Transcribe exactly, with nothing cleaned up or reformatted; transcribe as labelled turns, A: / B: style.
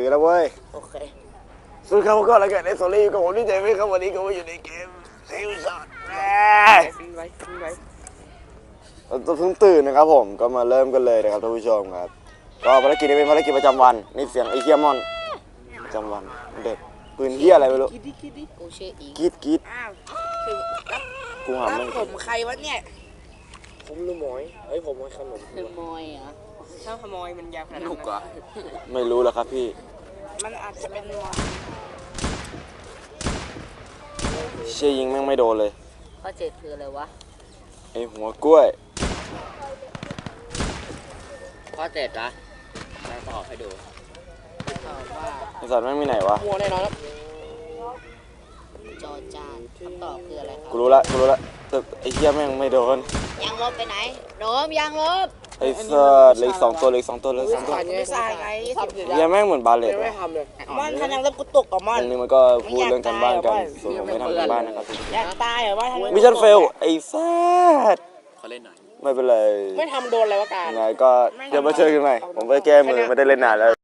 A: แล้วเว้ย
B: โอเค
A: สุดครับก็แล้วกันในโซลี่กับผมดีใจไหมครับวันนี้ก็มาอยู่ในเกมเซลล์ช็อต
B: ฟินไว้ฟินไว้
A: เราเพิ่งตื่นนะครับผมก็มาเริ่มกันเลยนะครับท่านผู้ชมครับก็ภารกิจนี้เป็นภารกิจประจำวันนี่เสียงไอเฮียมอนประจำวันเด็กปืนเฮียอะไรไม่รู้
B: คิดดิคิดดิกูเชื่ออีก
A: กีดกีด
B: อ้าวคือรับ
A: กูหาไม่
B: ผมใครวะเนี่ย
C: ผมลูกหมอยเอ้ยผมขนม
B: ขโมยเหรอถ้าขโมยมันยาวขนาดนั้น
C: ลูกเหรอ
A: ไม่รู้แล้วครับพี่
B: มันอาจจะเป็น
A: เชี่ยยิงแม่งไม่โดนเลย
B: ข้อเจ็ดคืออะไรวะ
A: ไอหัวกล้วย
C: ข้อเจ็ดนะมาตอบให้ดู
B: ตอบว่า
A: ไอสัตว์แม่งมีไหนวะ
C: มัวแน่นอนครับ
B: จอจานคำตอบคืออะไรครับ
A: กูรู้ละกูรู้ละแต่ไอเฮียแม่งไม่โดน
B: ยางลบไปไหนโดมยางลบ
A: ไอสัตว์เหล็กสองตัวเหล็กสองตัวเหล็กสองตัว
B: ไม่ใช่ไง
A: เฮียแม่งเหมือนบาเลต
C: ไม่ทำเลย
B: มันทันยังลบกูตกกับมัน
A: ตรงนี้มันก็พูดเรื่องการบ้านกันส่วนผมไม่ทำการบ้านนะครับ
B: อยากตายเหรอว่า
A: มิชชั่นเฟลไอสัตว์
C: ขอเล่นหน่อย
A: ไม่เป็นไร
B: ไม่ทำโดนอะไรวะการ
A: ยังไงก็เดี๋ยวมาเจอกันใหม่ผมไปแก้มือไม่ได้เล่นนานแล้ว